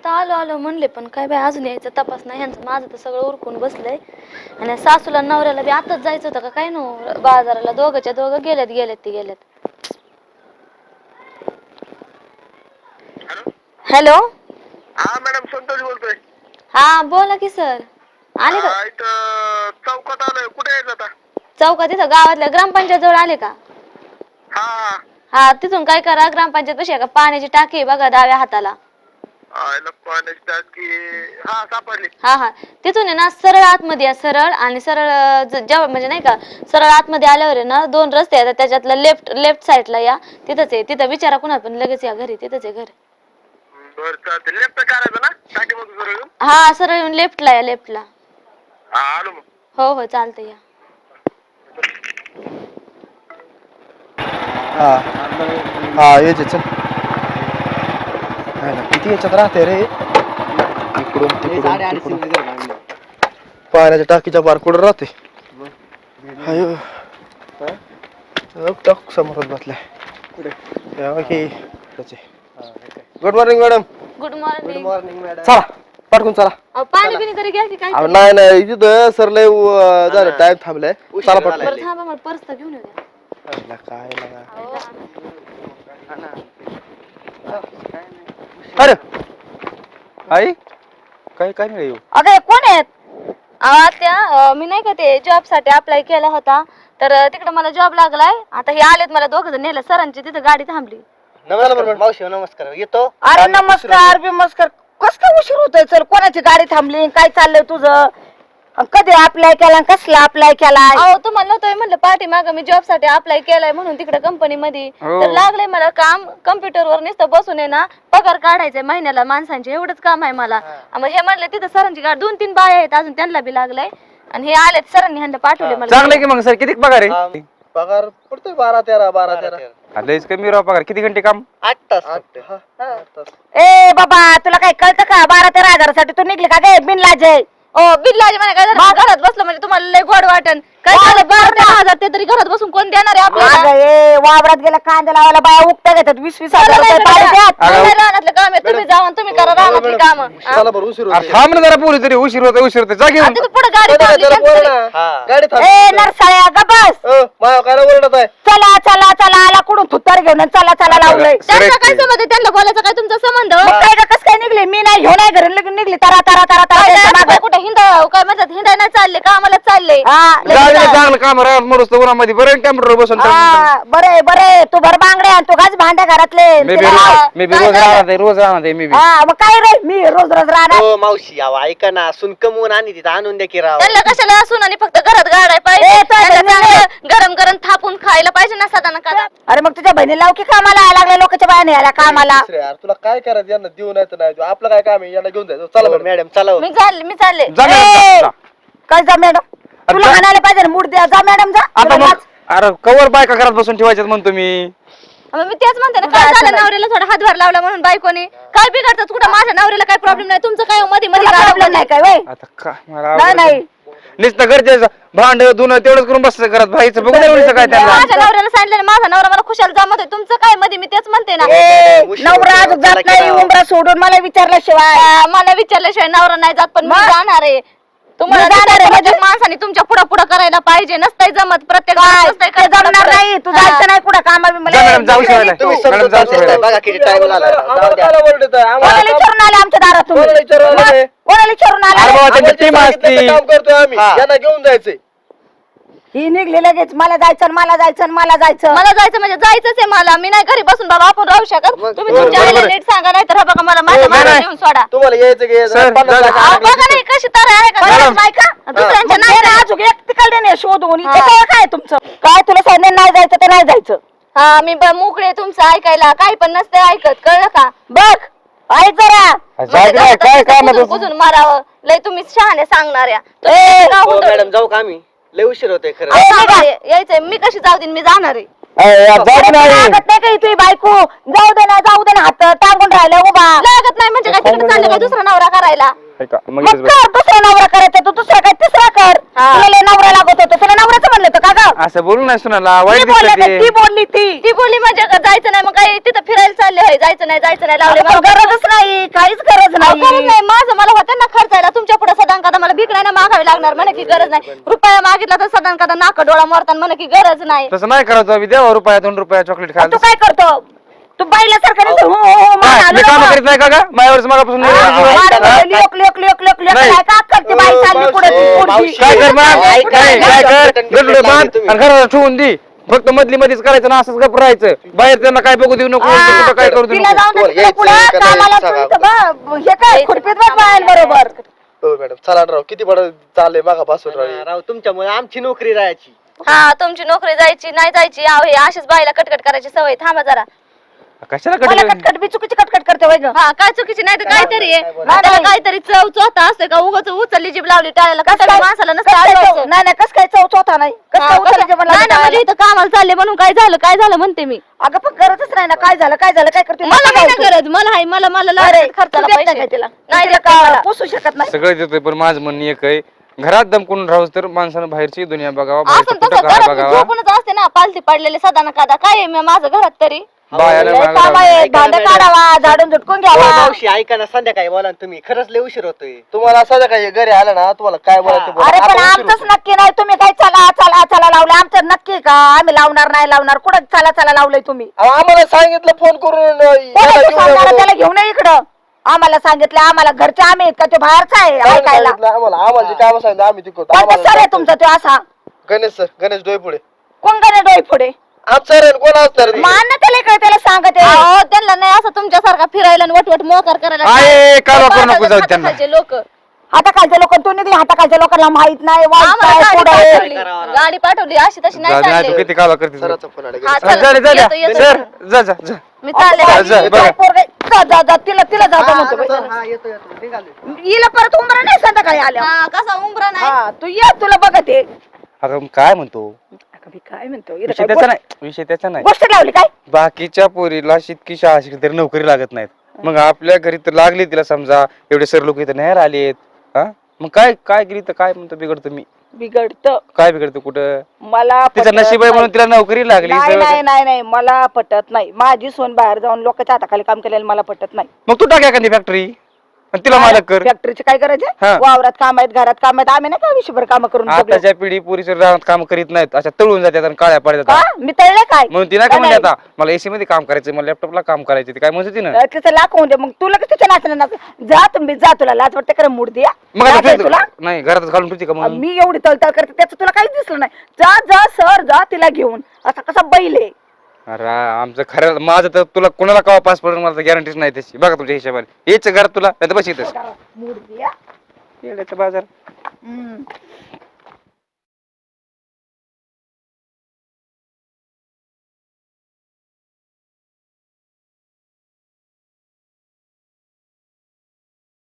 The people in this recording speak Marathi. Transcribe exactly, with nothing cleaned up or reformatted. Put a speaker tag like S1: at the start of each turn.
S1: आता आलो आलो म्हणले पण काय बाय अजून यायचा तपास नाही ह्यांचं. माझं तर सगळं उरकून बसलंय आणि सासूला नवऱ्याला बी आताच जायचं होतं का काय नो बाजाराला. दोघंच्या दोघं गेलेत गेलेत ती गेलेत. हॅलो
S2: हा मॅडम संतोष बोलतोय.
S1: हा बोला की सर. आले का
S2: इथं चौकात आलोय. कुठे यायचं आता?
S1: चौकात इथं गावातल्या ग्रामपंचायत जवळ आले का?
S2: हा
S1: हा तिथून काय करा ग्रामपंचायत कशी आहे का पाण्याची टाकी आहे बघा डाव्या हाताला.
S2: पाण्याची टाकी हा सापडली.
S1: हा हा तिथून आहे ना सरळ आतमध्ये या सरळ आणि सरळ जेव्हा म्हणजे नाही का सरळ आतमध्ये आल्यावर आहे ना दोन रस्ते आहेत त्याच्यातला लेफ्ट लेफ्ट साईडला या तिथंच आहे. तिथं विचारा कुणा पण लगेच या घरी तिथंच आहे घर.
S2: बर चालते. लेफ्ट करायचं ना टाकी मधून सरळ येऊन?
S1: हा सरळ येऊन लेफ्टला या लेफ्टला.
S2: हा आलो मग.
S1: हो हो चालतंय या.
S3: हा हा यायचे चल. नाही ना किती याच्यात राहते रे इकडून तिकडून तिकडून पाण्याच्या टाकीच्या बार कुठं राहते. अयो टाक समोरच बसलाय. Good morning madam.
S1: Good morning.
S3: Morning madam. चला पटकून चला.
S1: पाणी बिणी तरी घ्या की काय.
S3: नाही नाही तिथं सर लय झालं टाइम थांबलाय. चला पटकन.
S1: बरं थांबा मला पर्स तर घेऊन येऊ द्या.
S3: काय लागा अरे आई काय काय नाही येऊ.
S1: अगं कोण आहेत? त्या मी नाही का ते जॉब साठी अप्लाय केला होता तर तिकडे मला जॉब लागलाय. आता हे आलेत मला दोघ जण नेलं सरांची तिथं गाडी थांबली.
S3: नमस्कार मावशी नमस्कार. येतो.
S4: अरे नमस्कार बिमस्कार कस काय उशीर होतोय? चल कोणाची गाडी थांबली काय चाललंय तुझं? कधी अप्लाय केला कसला अप्लाय केलाय?
S1: अहो तुम्हाला नव्हतं म्हणलं पाठी माग मी जॉब साठी अप्लाय केलाय म्हणून तिकडे कंपनी मध्ये तर लागलंय मला काम. कम्प्युटर वर नुसतं बसून आहे ना पगार काढायचंय महिन्याला माणसांचे एवढंच काम आहे मला. मग हे म्हणले तिथं सरांची गाडी दोन तीन बाया आहेत अजून त्यांना बी लागलंय आणि हे आलेत सरांनी ह्यांना पाठवले मला.
S5: चांगलं की मग सर किती पगार आहे?
S3: पगार पडतोय बारा तेरा बारा तेरा.
S5: लयच कमी राव पगार. किती घंटे काम?
S3: आठ तास आठ तास.
S4: ए बाबा तुला काय कळतं का? बारा तेरा हजारासाठी तू निघली का गे बिनलाजे?
S1: ओ बिल्लाजी म्हणे काय झालं घरात बसलं म्हणजे तुम्हाला लय गोड वाटन काय झालं? बारा तेरा हजार ते तरी घरात बसून कोण देणार आहे आपल्याला?
S4: ए वावरात गेला कांदा लावायला बाया उकट्या घेतात वीस वीस हजार रुपये पाणी द्यात.
S1: रानातलं काम आहे तुम्ही जाऊन तुम्ही करा रानातली काम.
S3: चला बरं उशीर
S5: अरे थांब ना जरा पोरी तरी उशीर होते उशीर होते जा घेऊन.
S1: पुढे गाडी थांबली त्यांचं.
S3: गाडी थांब.
S4: ए नरसाळ्या ग बस.
S3: माया काय ओरडत आहे.
S4: चला चला चला आला कुठून थुत्तर घेऊन आणि चला चला लावलंय.
S1: त्यांचा काय संबंध आहे? त्यांना बोलायचा काय तुमचा संबंध?
S4: मग काय ग कस काय निघले? मी नाही घेऊन नाही घरी लगेच निघली तरा तरा तरा तरा त्यांच्या मागं.
S1: कुठे हिंडा काय म्हणतात हिंडाय नाही चालले का आम्हाला चालले?
S4: हा
S5: गाडीला चांगलं काम राहत मोडूस तर उन्हामध्ये बरं कॅम्प्युटर बसून.
S4: हा बरे बरे तू भर बांगडे आणि तू घास भांड्या घरातले.
S5: मी बी रोज मी बी रोज राहणार आहे रोज राहणार आहे मी बी.
S4: हा मग काय रे मी रोज रोज राहणार.
S3: हो मावशी यावं ऐका ना सुन कमवून आणि तिथं आणून द्या की राव.
S1: त्यांना कशाला असून आणि फक्त घरात गाडाय पाहिजे.
S4: ए, तो
S1: त्यांना
S4: बहिणीला-
S1: चांगलं गरम गरम थापून खायला पाहिजे ना सदा नका.
S4: अरे मग तुझ्या बहिणी लाव की कामाला यायला लागल्या लोकांच्या बाया यायला कामाला.
S3: यार तुला काय करायचं यांना देऊ नाही तर नाही देऊ. आपलं काय काम आहे यांना घेऊन जायचं. चला बरं मॅडम चला.
S1: मी चालले मी चालले.
S5: जा मॅडम,
S4: ए,
S5: जा, जा.
S4: काय जा मॅडम तुला
S5: जा.
S4: म्हणायला पाहिजे ना मूड द्या. जा मॅडम जा.
S5: आता
S4: तुला
S5: मग
S4: लाज-
S5: अरे कवर बायका घरात बसून ठेवायच्यात म्हणतो मी.
S1: मग मी तेच म्हणते ना
S4: तुझं
S1: काय
S4: असं
S1: झालं
S4: नाही.
S1: नवऱ्याला थोडा हातभार लावला म्हणून बायकोने काय बिघडतात कुठं? माझ्या नवऱ्याला काही प्रॉब्लेम नाही तुमचं काय मध्ये मध्ये
S4: तुला प्रॉब्लेम नाही काय वय?
S5: आता काय मला
S4: नाही नाही
S5: नुसतं गरजेचं भांड धुणं तेवढंच करून बसतं घरात बाईचं बघून एवढं काय त्यांना.
S1: माझ्या नवऱ्याला सांगितलं माझा नवरा मला खुशाल जमत आहे तुमचं काय मध्ये मी तेच म्हणते ना.
S4: ए, नवरा अजून जात नाही उमरा सोडून मला विचारल्याशिवाय.
S1: आ, मला विचारल्याशिवाय नवरा नाही जात पण मी
S4: मग?
S1: जाणार आहे. तुम्हाला
S4: मी जाणार आहे
S1: प्रत्येक
S4: म्हणजे?
S1: माणसाने तुमच्या पुढे पुढे करायला पाहिजे. नसतंय जमत प्रत्येक
S4: काय
S1: माणूस नसतंय
S4: ते
S1: करत
S4: जमणार
S1: पुढं.
S4: नाही. तू
S1: हा.
S4: जायचं नाही कुठं कामा
S5: जा मॅडम जाऊ शिवायला
S3: तुम्ही
S5: मॅडम जाऊ शिवायला.
S3: बघा किती टाइम आला.
S4: कोणाला विचारून आले आमच्या दारात तुम्ही?
S3: कोणाला विचारून आले?
S4: मग? कोणाला विचारून
S5: अरे
S4: आले?
S5: बाबा त्यांची टीम असती.
S3: काम करतोय आम्ही यांना घेऊन जायचंय.
S4: ही निघली लगेच मला जायचं मला जायचं मला जायचं.
S1: मला जायचं म्हणजे जायचंच आहे मला. मी नाही घरी बसून बाबा आपण राहू शकत.
S3: मग-
S1: तुम्ही
S3: बरोबर,
S1: तुमच्या आईला
S5: बरोबर.
S1: नीट सांगा नाही तर बघा मला माझ्या
S5: नाही,
S1: मागे
S5: नाही.
S1: नेऊन सोडा.
S3: तुम्हाला यायचं की
S5: सर,
S3: पन्नास
S5: जा-
S3: लाख
S1: अहो,
S3: आणायचे.
S1: बघा नाही कशी तर आहे का
S5: मॅडम.
S4: नाही का?
S1: दुसऱ्यांच्या
S4: मग
S1: नाही
S4: नाही अजून एक तिकडे नाही शोधून इथे काय काय तुमचं काय तुला सांगितलं नाही जायचं ते नाही जायचं.
S1: हा मी ब- मोकळे तुमचं ऐकायला काही पण नसते ऐकत कळलं का?
S4: बघ ऐक जरा.
S5: जाऊ दे बाई, काय काम आहे तुझं?
S1: बुजून मारावं लय तुम्ही शहाणे सांगणाऱ्या.
S4: ए,
S1: तुम्ही गाव
S3: हो
S1: हुंदडून-
S3: मॅडम जाऊ का आम्ही? लय उशीर होतोय खरं.
S1: अहो, सांगा, यायचंय मी कशी जाऊ देईन मी जाणार आहे.
S5: जाऊ नाही
S4: लागत नाही काही तुझी बायको जाऊ दे ना जाऊ दे ना हात टांगून राहिला उभा
S1: लागत नाही म्हणजे काय तिकडे चालले काय दुसरा नवरा करायला
S5: ऐका, मग
S4: मग
S5: इथेच बस.
S4: कर दुसरा नवरा करायचा तू दुसरा काय तिसरा कर तुला लय नवरा लागत होतो तुला नवऱ्याचं म्हणलं होतं का ग
S5: असं बोलू नाही सुनाला
S4: ती
S5: वाईट
S4: बोलली
S5: दिसत
S4: का? ती बोलली ती
S1: ती बोलली म्हणजे का जायचं नाही मग काय तिथं फिरायला चालले होय जायचं नाही जायचं नाही लावले
S4: अगं, पण गरजच नाही काहीच गरज
S1: अहो, गरज
S4: नाही
S1: नाही माझं मला होतं ना खर्चायला तुमच्या पुढे सदान कदा मला भीक नाही ना मागावी लागणार म्हणे की गरज नाही रुपया मागितला तर सदान कदा नाक डोळा मोरताना म्हणे की गरज नाही
S5: तसं नाही करायचं आम्ही द्यावा रुपया दोन रुपया चॉकलेट
S4: आणि तू
S5: खायला
S4: काय करतो तू बाईला सारखं नुसतं हो, हो, हो,
S5: काय,
S4: म्हणायला
S5: मी काम
S4: नको.
S5: करीत नाही का ग माझ्यावरच मगापासून
S4: हा,
S5: निर्णय
S4: हा,
S5: घेतला.
S4: लोक लोक लोक लोक लोक
S5: नाही.
S4: काय का करते बाई चालली पुढे
S3: मावशी,
S5: काय कर मग काय काय कर गडबड बांध आणि घराला ठेवून दे फक्त मधली मध्येच करायचं ना असंच गप राहायचं बाहेर त्यांना काय बघू देऊ नको कुठं काय करू देऊ
S4: तिला
S5: नको
S4: जाऊन दे
S3: तुम्हाला
S4: तिकडे
S3: यायचं
S4: पुढं
S3: का नाही
S4: कामाला
S3: सांगा.
S4: तुमचं बा- हे काय खुरपीत बघ बायांबरोबर
S3: हो मॅडम चला राव किती बडं चाललंय मागापासून राव
S6: राव तुमच्यामुळे आमची नोकरी राहायची
S1: हा तुमची नोकरी जायची नाही जायची अहो हे अशीच बाईला कटकट करायची सवय थांबा जरा
S5: कशाला
S4: मला
S5: कडे
S4: कटकट बी चुकीची कटकट करते वय ग
S1: हा काय चुकीची नाही तर काहीतरी आहे त्याला काहीतरी चव चोथा असते का उगाच उचलली जीभ लावली टाळायला
S4: कस
S1: कसं
S4: काय
S1: माणसाला
S4: कस
S1: नसतं
S4: काय चव-
S1: आठवायचं.
S4: नाही नाही कस काय चौथ होता नाही कस
S1: हा,
S4: काय
S1: कसं-
S4: उचलायचं म्हणलं
S1: नाही, नाही, म्हणजे
S4: टाळायला?
S1: इथं कामाला चालले म्हणून काय झालं काय झालं म्हणते मी
S4: अगं पण गरजच नाही ना काय झालं काय झालं काय करते
S1: मला नाही ना गरज मला हाय मला मला
S4: अरे
S1: लागतात खर्चाला
S4: तू देत नाही
S1: पैसे
S4: का तिला
S1: नाही
S4: तिला
S1: देत नाही
S4: का
S1: मला.
S4: पोसू शकत नाही
S5: सगळं देतोय पण माझं म्हणणं एक आहे घरात दमकून राहूस तर माणसानं बाहेरची दुनिया बघावा
S1: असं
S5: बाहेरचं
S1: तसं
S5: कुठं काय
S1: घरात
S5: बघावा
S1: झोपूनच असते ना पालथी पडलेले सदा ना कादा काय आहे म- माझं घरात तरी
S5: बायाला
S4: लय
S5: मागं
S4: काम
S5: राहावं.
S4: आहे
S6: ऐका ना
S4: भांडे
S6: मॅडम.
S4: काढावा झाडून झुटकून
S6: हो,
S4: घ्यावा
S6: मावशी ऐका ना संध्याकाळी बोला ना तुम्ही खरंच लय उशीर होतोय
S3: तुम्हाला असं काय घरी आलं ना तुम्हाला काय बोलायचं ते बोला.
S4: अरे पण
S3: आपण उशीर
S4: आमचंच
S3: होतो.
S4: नक्की नाही तुम्ही काय चला चला चला लावलं आमचं नक्की का आम्ही लावणार नाही लावणार कुठं चला चला लावलंय तुम्ही
S3: अहो, आम्हाला सांगितलं फोन करून अं, याला
S4: कोणाला
S3: घेऊन
S4: सांगणार
S3: येतो.
S4: त्याला घेऊन ये इकडं आम्हाला सांगितलं आम्हाला घरचे आम्ही आहेत का तो बाहेरचा आहे
S3: काय
S4: ऐकायला
S3: सांगितलं आम्हाला आम्हाला जे काम सांगितलं आम्ही तिकडतो
S4: कोणता सर आहे तुमचा तो असा
S3: गणेश सर गणेश डोईपुढे
S4: कोण गणे डोई पुढे
S3: आमचा सर कोण असणार ते?
S4: मान ना त्याला इकडे त्याला सांगत आहे
S1: अहो त्यांना नाही असं तुमच्यासारखा फिरायला आणि वटवट मोकार करायला
S5: आहे, कालवा करू नको जाऊ त्यांना.
S1: लोक
S4: हाताखालच्या लोक तू निघली हाताखालच्या लोकांना माहित नाही वाईट
S1: आम्हाला
S4: काय,
S1: गाडी
S4: पुढं आहे.
S1: पाठवली गाडी पाठवली अशी तशी नाही
S5: जा- नाही तू
S1: चालले
S5: किती काला करते
S3: सराचा फोन आला
S1: हा,
S3: गणेश.
S1: चला,
S5: जा जा
S1: येतो, येतो.
S5: सर जा जा जा
S1: मी चालले
S4: अहो,
S5: जा,
S4: बाई,
S5: बघा.
S4: काय पोरगं- जा जा जा तिला तिला जा जा म्हणतो बाई.
S6: हा येतो येतो निघालोय
S4: हिला परत उमरा नाही संध्याकाळी आल्या
S1: हा कसा उमरा नाही
S4: हा तू ये तुला बघत आहे
S5: अगं काय म्हणतो
S4: अगं, मी काय म्हणतो हिला
S5: विषय
S4: काय
S5: त्याचा
S4: गोष्ट-
S5: नाही विषय त्याचा नाही
S4: गोष्ट लावली काय
S5: बाकीच्या पोरीला शितकी शाळा शिकली तरी नोकरी लागत नाहीत मग आपल्या घरी तर लागली तिला समजा एवढे सर लोक इथं नाही आलेत हा मग काय काय केली तर काय म्हणतो बिघडतो मी
S4: बिघडत
S5: काय बिघडतो कुठं
S4: मला
S5: तिचं
S4: पटत
S5: नशीब आहे म्हणून
S4: नाही.
S5: तिला नोकरी लागली
S4: नाही
S5: सगळं-
S4: नाही नाही नाही मला पटत नाही माझी सोन बाहेर जाऊन लोकांच्या हाताखाली काम केलेलं मला पटत नाही
S5: मग तू टाक एखादी फॅक्टरी तिला मालक कर
S4: फॅक्टरीचे काय करायचे
S5: हा.
S4: वावरात काम आहेत घरात काम आहेत आम्ही नाही का विषयभर काम करून जगलो.
S5: आताच्या पिढी पुरीच्या रानात काम करीत नाहीत अशा तळून जातात आणि काळ्या
S4: का
S5: पडतात
S4: मी तळले काय
S5: म्हणून तिला काय म्हणते आता मला एसी मध्ये काम करायचं मला लॅपटॉपला काम करायचं ते काय म्हणत होती ना
S4: तर तिचं लाख होऊन दे मग तुला कसं तिच्या नाचणं नाच जा तुम्ही जा तुला लाज वाटते खरं मूड द्या
S5: मग आता
S4: लाज आहे
S5: तू-
S4: तुला
S5: नाही घरातच घालून ठेवती का म्हणून
S4: मी एवढी तळतळ करते त्याचं तुला काहीच दिसलं नाही जा जा सर जा तिला घेऊन असा कसा बैल आहे
S5: अरे आमचं खरं माझं तर तुला कोणाला कवा पास पडेल मला गॅरंटीच नाही त्याची बघा तुमच्या हिशोबाने यायचं घरात तुला नाही तर बस येतच
S4: मूड द्या
S5: बाजार
S4: हम्म.